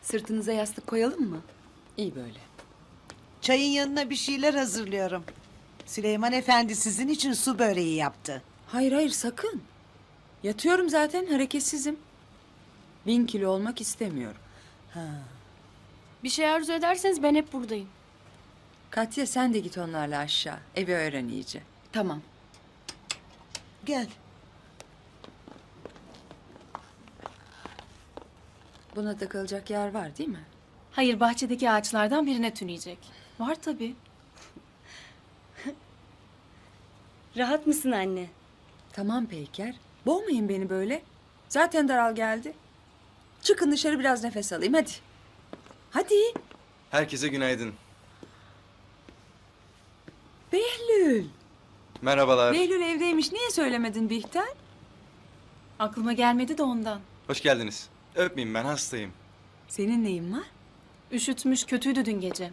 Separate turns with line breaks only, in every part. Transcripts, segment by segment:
Sırtınıza yastık koyalım mı?
İyi böyle.
Çayın yanına bir şeyler hazırlıyorum. Süleyman Efendi sizin için su böreği yaptı.
Hayır hayır sakın. Yatıyorum zaten hareketsizim. 1000 kilo olmak istemiyorum.
Bir şey arzu ederseniz ben hep buradayım.
Katya sen de git onlarla aşağı. Evi öğren iyice.
Tamam.
Gel.
Buna takılacak yer var değil mi?
Hayır, bahçedeki ağaçlardan birine tüneyecek. Var tabii.
Rahat mısın anne?
Tamam Peyker. Boğmayın beni böyle. Zaten daral geldi. Çıkın dışarı biraz nefes alayım hadi. Hadi.
Herkese günaydın.
Behlül.
Merhabalar.
Behlül evdeymiş. Niye söylemedin Bihter?
Aklıma gelmedi de ondan.
Hoş geldiniz. Öpmeyin, ben hastayım.
Senin neyin var?
Üşütmüş, kötüydü dün gece.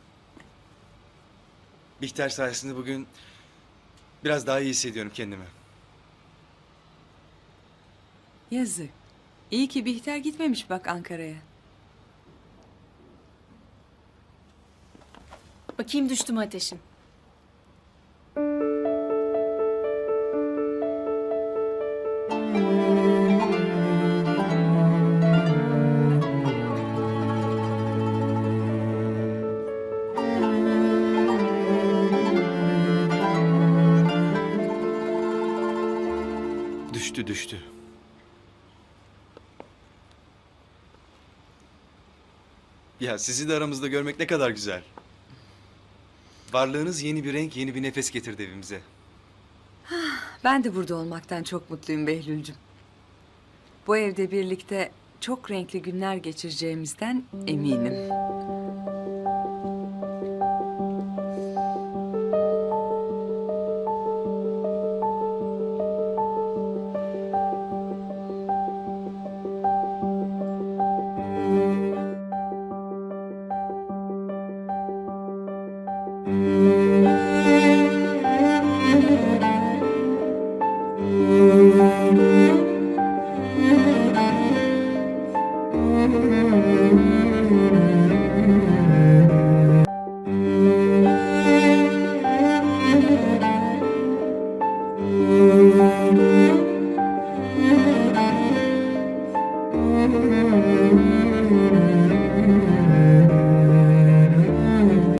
Bihter sayesinde bugün biraz daha iyi hissediyorum kendimi.
Yazık. İyi ki Bihter gitmemiş bak Ankara'ya.
Bakayım düştü mü ateşin?
Düştü. Ya sizi de aramızda görmek ne kadar güzel. Varlığınız yeni bir renk, yeni bir nefes getirdi evimize.
Ben de burada olmaktan çok mutluyum Behlül'cüm. Bu evde birlikte çok renkli günler geçireceğimizden eminim.